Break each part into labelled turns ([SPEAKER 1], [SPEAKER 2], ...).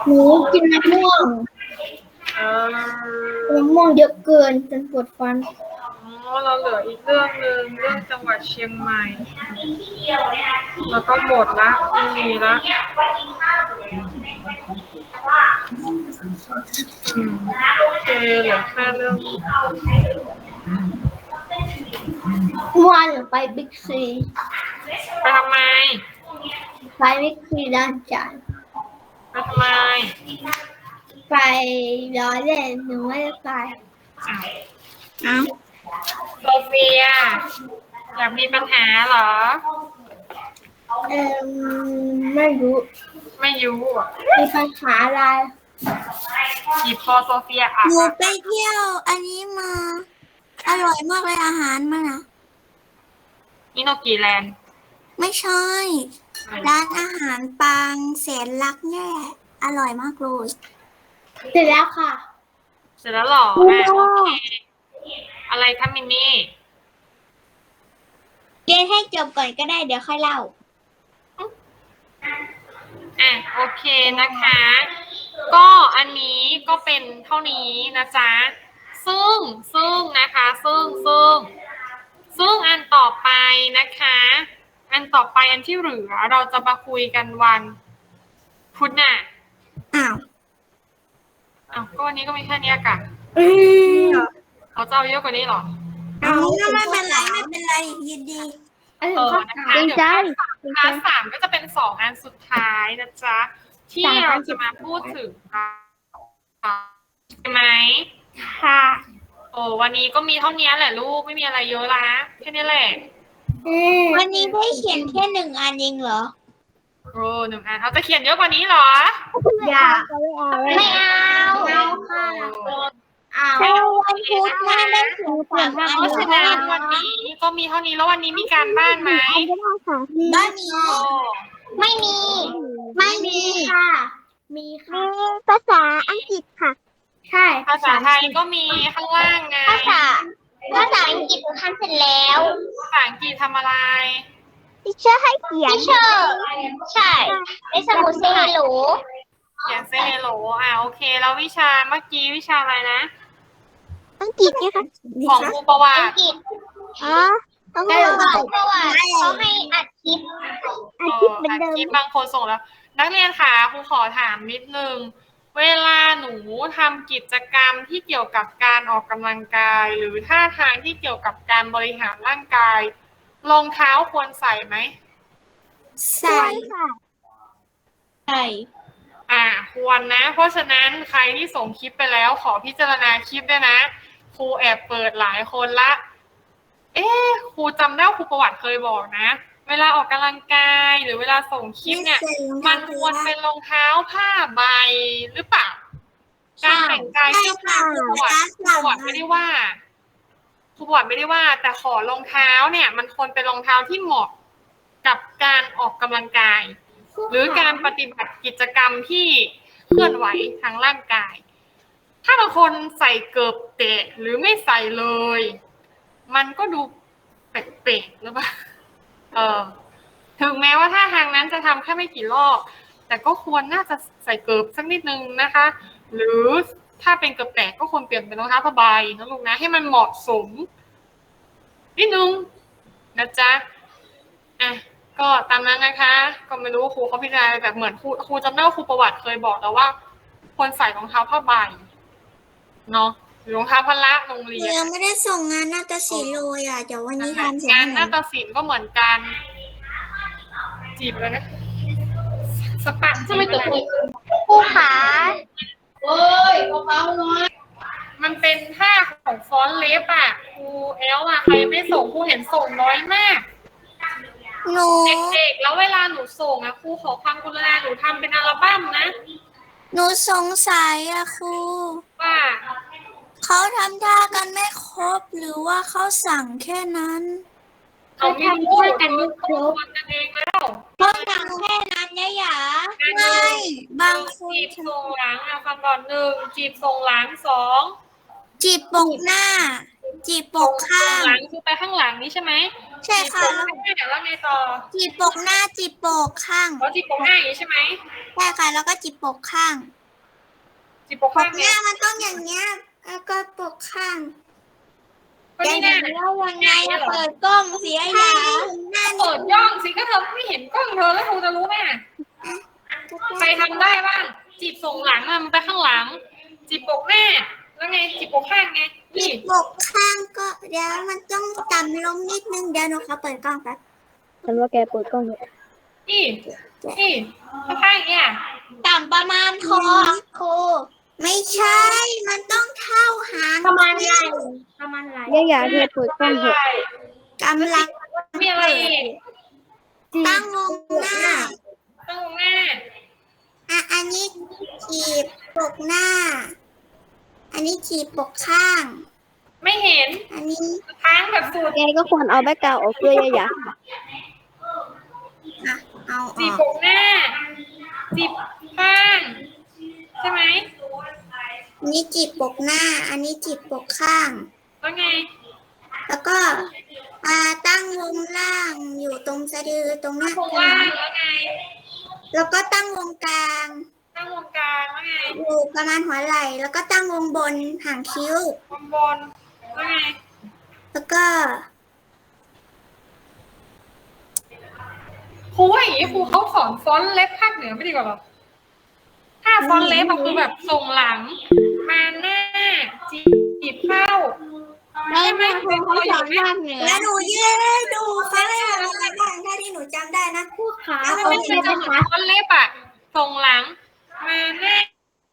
[SPEAKER 1] หนูกินมะม่วง
[SPEAKER 2] เออ
[SPEAKER 1] มะม่วงเยอะเกินจนปวดฟัน
[SPEAKER 2] อ๋อเราเหลืออีกเรื่องหนึ่งเรื่องจังหวัดเชียงใหม่แล้วก็หมดละไม่มีละโอเคเหลือแค่เรื่อง
[SPEAKER 1] เมื่อวานหนูไปบิ๊กซี
[SPEAKER 2] ไปทำไม
[SPEAKER 1] ไปบิ๊กซีด้านจาน
[SPEAKER 2] ไปทำไม
[SPEAKER 1] ไปล้อเล่นหนูไม่ได้ไป
[SPEAKER 2] อ้าวโซเฟียอยากมีปัญหาเหรอ
[SPEAKER 1] ไม่รู้
[SPEAKER 2] ไม่รู้อ่ะ
[SPEAKER 1] มีปัญหาอะไร
[SPEAKER 2] หยิบคอโซเฟียอ่ะ
[SPEAKER 3] หนูไปเที่ยวอันนี้มาอร่อยมากเลยอาหารมันอ่ะ
[SPEAKER 2] อิโนกิแลนด์
[SPEAKER 3] ไม่ใช่ ร้านอาหารปางแสนรักแน่อร่อยมากเลย
[SPEAKER 1] เสร็จแล้วค่ะ
[SPEAKER 2] เสร็จแล้วเหรอโอเคอะไรคะมินนี่
[SPEAKER 1] เรียนให้จบก่อนก็ได้เดี๋ยวค่อยเล่า
[SPEAKER 2] โอเคนะคะ ก็อันนี้ก็เป็นเท่านี้นะจ๊ะซึ่งนะคะซึ่งอันต่อไปนะคะ อันต่อไปอันที่เหลือเราจะมาคุยกันวันพุธน่ะ
[SPEAKER 3] อ้าว
[SPEAKER 2] ก็วันนี้ก็มีแค่นี้กันเขาจะเอาเยอะกว่านี้เหรอ
[SPEAKER 3] เอาไม่เป็นไรไม่เป็นไรยินดี
[SPEAKER 2] นะคะเดี๋ยวคลาสสามก็จะเป็น2อันสุดท้ายนะจ๊ะที่เราจะมาพูดถึงใช่ไหม
[SPEAKER 1] ค่ะ
[SPEAKER 2] วันนี้ก็มีเท่านี้แหละลูกไม่มีอะไรเยอะละแค่นี้แหละ
[SPEAKER 3] วันนี้ได้เขียนแค่1 อันเองเหรอ
[SPEAKER 2] 1 อันเขาจะเขียนเยอะกว่านี้เหรอ
[SPEAKER 1] อย่าไม่เอาค่ะเอา
[SPEAKER 3] แต่วันพุธหน้าได้เขียน3 อัน
[SPEAKER 2] เพราะฉะนั้นวันนี้ก็มีเท่านี้แล้ววันนี้มีการบ้านไหม
[SPEAKER 3] บ้านมี
[SPEAKER 1] ไม่มี ไม่มีค่ะ มีค่ะ
[SPEAKER 3] ภาษาอังกฤษค่ะ
[SPEAKER 1] ใช่
[SPEAKER 2] ภาษาไทยก็มีข้างล่างไง
[SPEAKER 1] ภาษาอังกฤษหนูทำเสร็จแล้ว
[SPEAKER 2] ภาษาอังกฤษทำอะไร
[SPEAKER 3] ที่เชื่อให้เขียน
[SPEAKER 1] พี่เชอร์ใช่ในสมุดเซฮัลโหล
[SPEAKER 2] เขียนเซเฮโลโอเคแล้ววิชาเมื่อกี้วิชาอะไรนะ
[SPEAKER 3] อังกฤษเนี่ยค่ะ
[SPEAKER 2] ของครูประวั
[SPEAKER 1] อัง
[SPEAKER 2] ติ
[SPEAKER 1] กฤษ
[SPEAKER 3] อ๋อต้อง
[SPEAKER 1] แต่
[SPEAKER 3] เรียน
[SPEAKER 1] ประวัติเขาให้อัดคลิป
[SPEAKER 3] อาทิตย์เหมือนเดิม
[SPEAKER 2] คลิปบางคนส่งแล้ว นักเรียนค่ะครูขอถามนิดนึงเวลาหนูทำกิจกรรมที่เกี่ยวกับการออกกำลังกาย หรือท่าทางที่เกี่ยวกับการบริหารร่างกายรองเท้าควรใส่ไหม
[SPEAKER 3] ใส่ค่ะ
[SPEAKER 1] ใช่
[SPEAKER 2] ควรนะ เพราะฉะนั้นใครที่ส่งคลิปไปแล้วขอพิจารณาคลิปด้วยนะครูแอบเปิดหลายคนละครูจำได้ว่าครูประวัติเคยบอกนะเวลาออกกำลังกายหรือเวลาส่งคลิปเนี่ยมันควรเป็นรองเท้าผ้าใบหรือเปล่าการแต่งกายที่ครูประวัติไม่ได้ว่าครูประวัติไม่ได้ว่าแต่ขอรองเท้าเนี่ยมันควรเป็นรองเท้าที่เหมาะกับการออกกำลังกายหรือการปฏิบัติกิจกรรมที่เคลื่อนไหวทางร่างกาย ถ้าบางคนใส่เกิบเตะหรือไม่ใส่เลย มันก็ดูแปลกๆหรือเปล่าถึงแม้ว่าท่าทางนั้นจะทำแค่ไม่กี่รอบแต่ก็ควรน่าจะใส่เกิบสักนิดนึงนะคะ หรือถ้าเป็นเกิบแตกก็ควรเปลี่ยนเป็นรองเท้าผ้าใบนะลูกนะให้มันเหมาะสมนิดนึงนะจ๊ะก็ตามนั้นนะคะก็ไม่รู้ครูเขาพิจารณาแบบเหมือนครูจำได้ว่าครูประวัติเคยบอกแล้วว่าควรใส่รองเท้าผ้าใบเนาะหรือรองเท้าพละโรงเรียน
[SPEAKER 3] ยังไม่ได้ส่งงานนาฏศิลป์เลยเดี๋ยววันนี้ทำเสร็จ
[SPEAKER 2] งานนาฏศิลป์ก็เหมือนกันจีบเลยนะสปัดจะไม่ตัว
[SPEAKER 1] ผู้ขา
[SPEAKER 2] มันเป็นท่าของฟอนต์เล็บครูใครไม่ส่งครูเห็นส่งน้อยมาก
[SPEAKER 3] หนู
[SPEAKER 2] เด็กๆแล้วเวลาหนูส่งครูขอความกรุณาหนูทำเป็นอัลบั้มนะ
[SPEAKER 3] หนูสงสัยครู
[SPEAKER 2] ว่า
[SPEAKER 3] เขาทำท่ากันไม่ครบหรือว่าเขาสั่งแค่นั้น
[SPEAKER 2] เขาไม่รู้กันไม่ครบกันเองแล้ว
[SPEAKER 3] เขาสั่งแค่นั้นยะไม่บางคน
[SPEAKER 2] จีบส่งหลังฟังก่อน1จีบส่งหลัง2
[SPEAKER 3] จีบปกหน้า จีบปกข้าง
[SPEAKER 2] หลังคือไปข้างหลังนี้ใช่ไหม
[SPEAKER 3] ใช่ค่ะ
[SPEAKER 2] จีบปกหน้าแล้วไงต่อ
[SPEAKER 3] จีบปกหน้าจีบปกข้าง
[SPEAKER 2] อ๋อจีบปกหน้าอย่างนี้ใช่ไหม
[SPEAKER 3] ใช่ค่ะ แล้วก็จีบปกข้าง
[SPEAKER 2] จีบปก
[SPEAKER 3] ป
[SPEAKER 2] ข้าง
[SPEAKER 3] กห
[SPEAKER 2] ไง
[SPEAKER 3] น้ามันต้องอย่างเงี้ยแล้วก็ปกข้าง
[SPEAKER 2] ก็นี่แน่
[SPEAKER 3] แล้วยังไงอะเปิดกล้องเสียอย่าหน้า
[SPEAKER 2] เปิดย่องสิก็เธอไม่เห็นกล้องเธอแล้วเธอจะรู้ไหมใครทำได้บ้างจีบส่งหลังอะมันไปข้างหลัง จีบปกหน้าแล้วไงจีบปกข้างไง
[SPEAKER 3] จี
[SPEAKER 2] นี่
[SPEAKER 3] บปกข้างก็เดี๋ยวมันต้องต่ำลงนิดนึงเดี๋ยวหนูขอเปิดกล้องแป๊บ
[SPEAKER 4] ฉันว่าแกเปิดกล้องเถอะ
[SPEAKER 2] นี่นี่ข้างๆอย่างเงี้ย
[SPEAKER 3] ต่ำประมาณคอครูไม่ใช่มันต้องเท่าหาง
[SPEAKER 1] ประมาณไหล่ประมาณไหล่
[SPEAKER 4] ย่าอย่าเธอเปิดกล้องเถอะ
[SPEAKER 3] กำลัง
[SPEAKER 2] มีอะไรอีก
[SPEAKER 3] ตั้งวงหน้า
[SPEAKER 2] ตั้งวงหน้า
[SPEAKER 3] อันนี้จีบปกหน้า อันนี้จีบปกข้าง
[SPEAKER 2] ไม่เห็น
[SPEAKER 3] อันนี้
[SPEAKER 2] ค้างแบบสุด
[SPEAKER 4] แกก็ควรเอาแบ็คกราวด์ออกด้วยย่าอย่า
[SPEAKER 3] อ่ะเอาอ
[SPEAKER 2] จีบ
[SPEAKER 3] อก
[SPEAKER 2] ปกหน้า จีบข้างใช่ไหม
[SPEAKER 3] อันนี้จีบปกหน้า อันนี้จีบปกข้าง
[SPEAKER 2] แล้วไง
[SPEAKER 3] แล้วก็ตั้งวงล่างอยู่ตรงสะดือตรงหน้า
[SPEAKER 2] วงล่างแล้วไง
[SPEAKER 3] แล้วก็ตั้งวงกลาง
[SPEAKER 2] ตั้งวงกลางแล้วไง
[SPEAKER 3] อยู่ประมาณหัวไหล่ แล้วก็ตั้งวงบนหางคิ้ว
[SPEAKER 2] วงบนแล้วไง
[SPEAKER 3] แล้วก็
[SPEAKER 2] ครูว่าอย่างนี้ครูเขาสอนฟอนต์เล็บภาคเหนือไม่ดีกว่าหรอถ้าฟอนต์เล็บอะคือแบบส่งหลัง มาหน้า จีบเข้าใช่ไหมเป็นเขาสอนภาคเหนือ
[SPEAKER 3] แล้วหนูยืนดูเขาให้อะไรบ้างถ้าที่หนูจำได้นะ
[SPEAKER 1] ผู้ขา
[SPEAKER 2] ถ้าไม่ใช่จะเหมือนฟอนต์เล็บอะส่งหลัง มาหน้า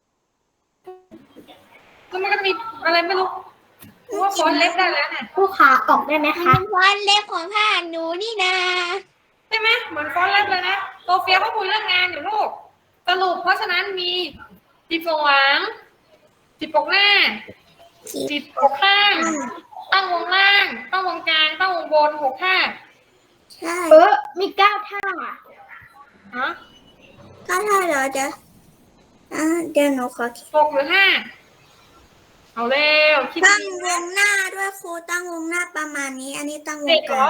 [SPEAKER 2] แล้วมันก็มีอะไรไม่รู้ครูว่าฟอนต์เล็บได้แล้วเนี่ย
[SPEAKER 1] ผู้ขาออกได้ไหม
[SPEAKER 3] มัน
[SPEAKER 1] คะ
[SPEAKER 3] เป็นฟอนต์เล็บของภาคหนูนี่นะ
[SPEAKER 2] ใช่ไหมเหมือนฟอนต์เล็บเลยนะโซเฟียเขาคุยเรื่องงานอยู่ลูกสรุปเพราะฉะนั้นมีจีบส่งหลังจีบปกหน้าจีบปกข้าง ตั้งวงล่าง ตั้งวงกลาง ตั้งวงบน6 ท่า
[SPEAKER 3] ใช่
[SPEAKER 1] มี9 ท่า
[SPEAKER 2] ฮะ
[SPEAKER 3] ก็ถ้าเราจะเดี๋ยวหนูขอคิด
[SPEAKER 2] 6 หรือ 5 เอาเร็วคิด
[SPEAKER 3] ตั้ง
[SPEAKER 2] ดี
[SPEAKER 3] วงหน้าด้วยครูตั้งวงหน้าประมาณนี้ อันนี้ตั้งว
[SPEAKER 2] เด็
[SPEAKER 3] ง
[SPEAKER 2] ก
[SPEAKER 3] ก
[SPEAKER 2] เหร
[SPEAKER 3] ลา
[SPEAKER 2] อง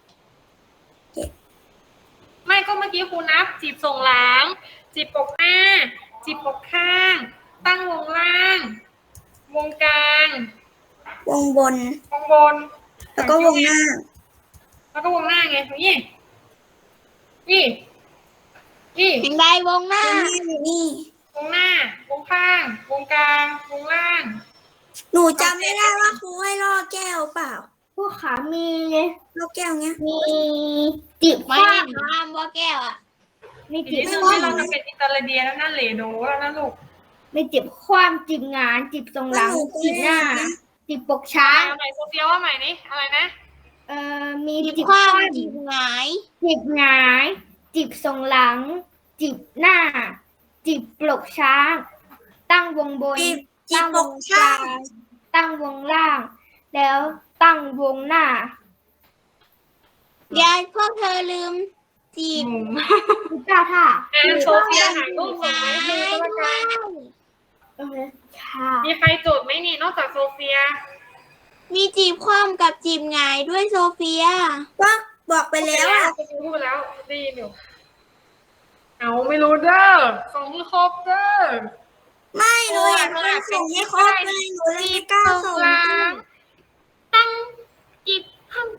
[SPEAKER 2] ไม่ก็เมื่อกี้ครูนับ จีบส่งหลัง จีบปกหน้า จีบปกข้าง ตั้งวงล่าง วงกลาง
[SPEAKER 3] วงบน
[SPEAKER 2] วงบน
[SPEAKER 3] แล้วก็วงหน้า
[SPEAKER 2] แล้วก็วงหน้าไงนี่นี่นี่
[SPEAKER 3] เห็นใดวงหน้าอยู่นี่
[SPEAKER 2] วงหน้า วงข้าง วงกลาง วงล่าง
[SPEAKER 3] หนูจำไม่ได้ว่าครูให้ล่อแก้วเปล่า
[SPEAKER 1] ผู้ขามี
[SPEAKER 3] ล่อแก้วเงี้ย
[SPEAKER 1] มีจีบ
[SPEAKER 3] ไม่
[SPEAKER 1] ข้าง
[SPEAKER 3] ห้ามว่าแก้วอ่ะ
[SPEAKER 1] มี
[SPEAKER 2] อีก
[SPEAKER 1] จีบ
[SPEAKER 2] นิดนึง
[SPEAKER 1] ข้า
[SPEAKER 2] ที่
[SPEAKER 1] ง
[SPEAKER 2] เราจะเป็นอิตาเลียแล้วนะเหลโดแล้วนะลูก
[SPEAKER 1] มีจีบความจีบงานจีบทรงหลังจีบหน้าจีบปกช้าง
[SPEAKER 2] เอาใหม่โซเฟียว่าใหม่นี่อะไรนะ
[SPEAKER 1] มีจีบความจีบหงายจีบหงายจีบทรงหลัง จีบหน้า จีบปลกช้าง ตั้งวงบน
[SPEAKER 3] จีบ
[SPEAKER 1] ตั้ง
[SPEAKER 3] ป
[SPEAKER 1] ว
[SPEAKER 3] ก
[SPEAKER 1] งก
[SPEAKER 3] ช่า
[SPEAKER 1] ลาง งตั้งวงล่าง แล้วตั้งวงหน้า
[SPEAKER 3] ยายพวกเธอลืม จีบ
[SPEAKER 1] มี9 ท่า
[SPEAKER 2] โซเฟียหารูปส่งมาให้ดูก็แล้วกัน
[SPEAKER 1] ค่ะ
[SPEAKER 2] มีใครจดไหมนี่นอกจากโซเฟีย
[SPEAKER 3] มีจีบคว่ำกับจีบหงายด้วยโซเฟียก็บอกไปแล้วอ่ะ
[SPEAKER 2] โซเฟียพูดไปแล้วได้ยินอยู่เอาไม่รู้เด้อส่งให้ครบเด้อ
[SPEAKER 3] ไม่หนูอยากให้ส่งให้ครบเลยหนูเลยไม่กล้าส่ง
[SPEAKER 2] หลังตั้งจีบข้าง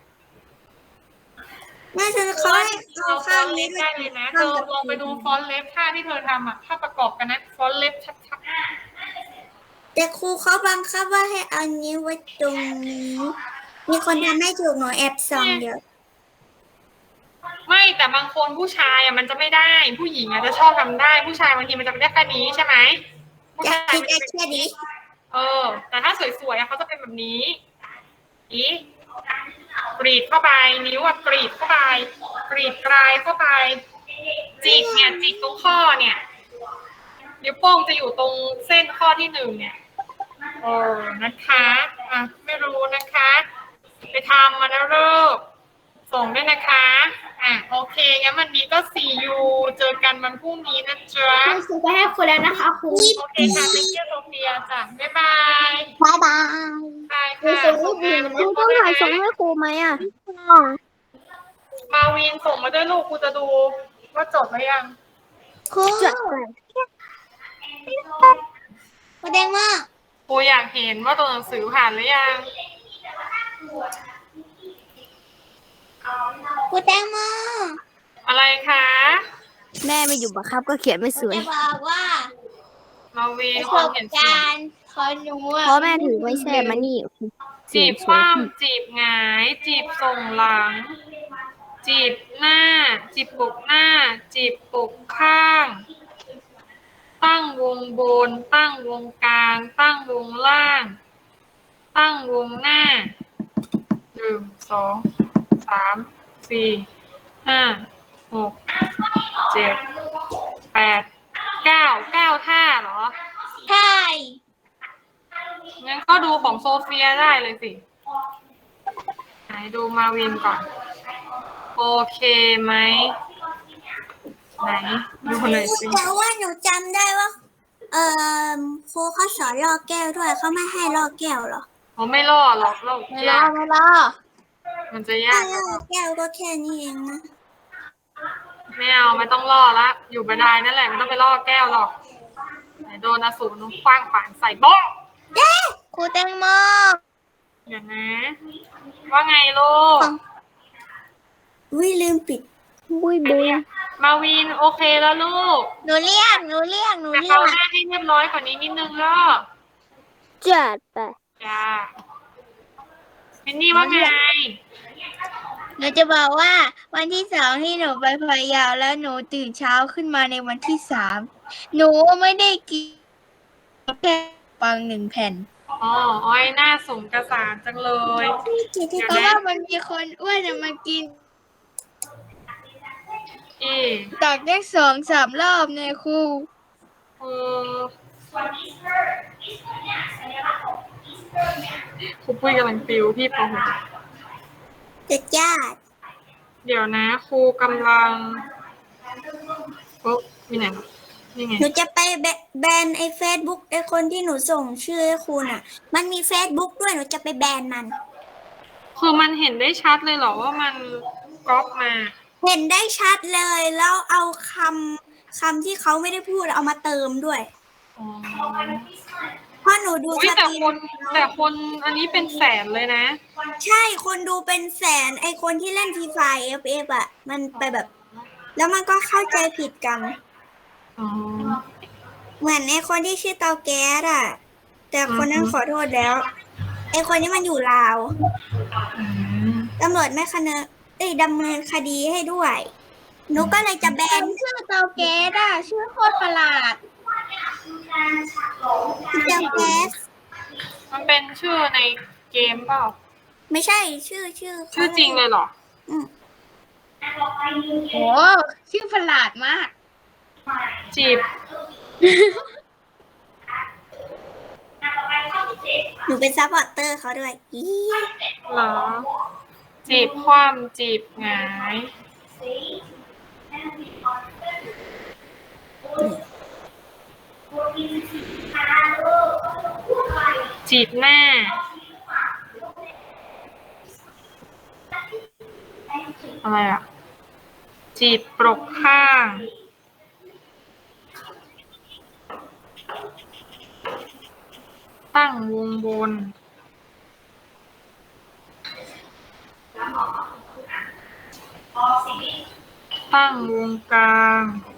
[SPEAKER 3] แม่เธอเขาให้เอา
[SPEAKER 2] ฟ
[SPEAKER 3] ข้า
[SPEAKER 2] อง นต์
[SPEAKER 3] นี้
[SPEAKER 2] เล็บ
[SPEAKER 3] ด้วย
[SPEAKER 2] ได้เลยนะเธอลองไปดูฟอนต์เล็บท่าที่เธอทำอ่ะถ้าประกอบกันนะฟอนต์เล็บชัด
[SPEAKER 3] แต่ครูเขาบังคับว่าให้เอานิ้วไว้ตรงนี้ มีคนทำให้ถูกหนูแอบส่องเดี๋ยว
[SPEAKER 2] ๆไม่แต่บางคนผู้ชายอ่ะมันจะไม่ได้ ผู้หญิงอ่ะจะชอบทำได้ ผู้ชายบางทีมันจะไม่ได้แค่นี้ใช่ไหมผู้
[SPEAKER 3] จะ
[SPEAKER 2] ชาย
[SPEAKER 3] คิด
[SPEAKER 2] มันจะเป็น
[SPEAKER 3] แค่นี้
[SPEAKER 2] แต่ถ้าสวยๆอะเขาจะเป็นแบบนี้อีกรีดเข้าไป นิ้วอะกรีดเข้าไป กรีดกลายเข้าไป จิกเนี่ยจิกตรงข้อเนี่ย นิ้วโป้งจะอยู่ตรงเส้นข้อที่1เนี่ยนะคะอ่ะไม่รู้นะคะ ไปทำมาแล้วเลิกส่งด้วยนะคะโอเคงั้นวันนี้ก็ see you เจอกันวันพรุ่งนี้นะจ๊ะ
[SPEAKER 1] คุณครูไปให้คุณแล้วนะคะครู
[SPEAKER 2] โอเคค่ะ thank you โซเฟียฟียจ้ะบ๊ายบาย
[SPEAKER 3] บายบาย
[SPEAKER 2] บายค่ะส่งงาน
[SPEAKER 4] ครูต้องถ่ายส่งให้ครูไหมอ่ะ
[SPEAKER 2] มาวินส่งมาด้วยลูกครูจะดูว่าจบหรือยัง
[SPEAKER 3] ครู
[SPEAKER 4] จัดไป
[SPEAKER 3] แสดงว่า
[SPEAKER 2] ครูอยากเห็นว่าตัวหนังสือผ่านหรือยัง
[SPEAKER 3] ครูแตงโม
[SPEAKER 2] อะไรคะ
[SPEAKER 4] แม่ไม่อยู่บังคับก็เขียนไม่สวย
[SPEAKER 3] จะบอกว่า
[SPEAKER 2] มาวิน
[SPEAKER 3] ประ
[SPEAKER 2] ค
[SPEAKER 3] ส
[SPEAKER 2] น
[SPEAKER 3] บ
[SPEAKER 2] เห็นสวย
[SPEAKER 3] การณ์ของหนูอะ
[SPEAKER 4] เพราะแม่ถือไม่แช่มานี่
[SPEAKER 2] จีบคว่ำจีบหงาย จีบส่งหลัง จีบหน้า จีบปกหน้า จีบปกข้าง ตั้งวงบน ตั้งวงกลาง ตั้งวงล่าง ตั้งวงหน้า 1 2 3 4 5 6 7 8 9 ท่าเหรอ
[SPEAKER 3] ใช่
[SPEAKER 2] งั้นก็ดูของโซเฟียได้เลยสิ ไหนดูมาวินก่อน โอเคไหม ไหนดูหน่อยสิ
[SPEAKER 3] แต่ว่าหนูจำได้ว่า ครูเขาสอนลอกแก้วด้วยเขาไม่ให้ลอกแก้วเหรอ
[SPEAKER 2] เขาไม่ล่อหรอกโลกยาก
[SPEAKER 3] ไม่ลอก
[SPEAKER 2] มันจะ
[SPEAKER 3] ถ้าย
[SPEAKER 2] าก
[SPEAKER 3] ลอกแก้วก็แค่นี้เองนะ
[SPEAKER 2] ไม่เอาไม่ต้องล่อละ อยู่บันไดนั่นแหละไม่ต้องไปล่อแก้วหรอกไหนโดนอสูรนุ่งคว้างป่านใส่โบ๊ะ
[SPEAKER 3] ครูแตงโม
[SPEAKER 2] อย่างนะ ว่าไงลูก
[SPEAKER 3] วิลืมปิด
[SPEAKER 4] บุยบุย
[SPEAKER 2] มาวินโอเคแล้วลูก
[SPEAKER 3] หนูเรียก
[SPEAKER 2] แต่เขาหน้าให้เรียบร้อยกว่านี้นิดนึงแล้ว
[SPEAKER 4] จัดไป
[SPEAKER 2] จ้าวินนี่ว่าไง
[SPEAKER 3] หนูจะบอกว่าวันที่2ที่หนูไปพะเยาแล้วหนูตื่นเช้าขึ้นมาในวันที่3หนูไม่ได้กินแค่ปัง1 แผ่น
[SPEAKER 2] อ๋ออ้อยหน้าสมกระสานจังเลย
[SPEAKER 3] เพราะว่ามันมีคนอ้วนมากิน ตักได้2-3 รอบเนี่ยครู
[SPEAKER 2] เออครูปุ้ยกำลังติวพี่ป .6
[SPEAKER 3] จะญาติ
[SPEAKER 2] เดี๋ยวนะครูกำลังปุ๊บมีไหนนี่ไง
[SPEAKER 3] หนูจะไปแบนไอ้เฟซบุ๊กไอ้คนที่หนูส่งชื่อให้ครูน่ะ มันมีเฟซบุ๊กด้วยหนูจะไปแบนมัน
[SPEAKER 2] คือมันเห็นได้ชัดเลยเหรอว่ามันก๊อปมา
[SPEAKER 3] เห็นได้ชัดเลยแล้วเอาคำที่เขาไม่ได้พูดเอามาเติมด้วย
[SPEAKER 2] อ๋อ
[SPEAKER 3] เพราะหนูดู
[SPEAKER 2] อุ๊ย
[SPEAKER 3] ส
[SPEAKER 2] แต่
[SPEAKER 3] ตรี
[SPEAKER 2] คน
[SPEAKER 3] ม
[SPEAKER 2] อันนี้เป็นแสนเลยนะ
[SPEAKER 3] ใช่คนดูเป็นแสนไอคนที่เล่นฟรีไฟ FF อ่ะ มันไปแบบ แล้วมันก็เข้าใจผิดกัน
[SPEAKER 2] อ๋อ
[SPEAKER 3] เหมือนไอคนที่ชื่อเตาแก๊สอ่ะ แต่คนนั้นขอโทษแล้ว ไอคนนี้มันอยู่ลาว
[SPEAKER 2] อืม
[SPEAKER 3] ตำรวจไม่ดำเนินคดีให้ด้วย หนูก็เลยจะแบนชื่อเตาแก๊สอ่ะ ชื่อโคตรประหลาดเตาแก๊ส
[SPEAKER 2] มันเป็นชื่อในเกมเปล่า
[SPEAKER 3] ไม่ใช่ชื่อ
[SPEAKER 2] ชื่อจริงเลยเหรอ
[SPEAKER 3] โหชื่อประหลาดมาก
[SPEAKER 2] จีบ
[SPEAKER 3] หนูเป็นซัพพอร์ตเตอร์เขาด้วยอี
[SPEAKER 2] เหรอ จีบคว่ำจีบหงาย จีบหน้า อะไรอ่ะ จีบปรกข้าง ตั้งวงบน ตั้งวงกลาง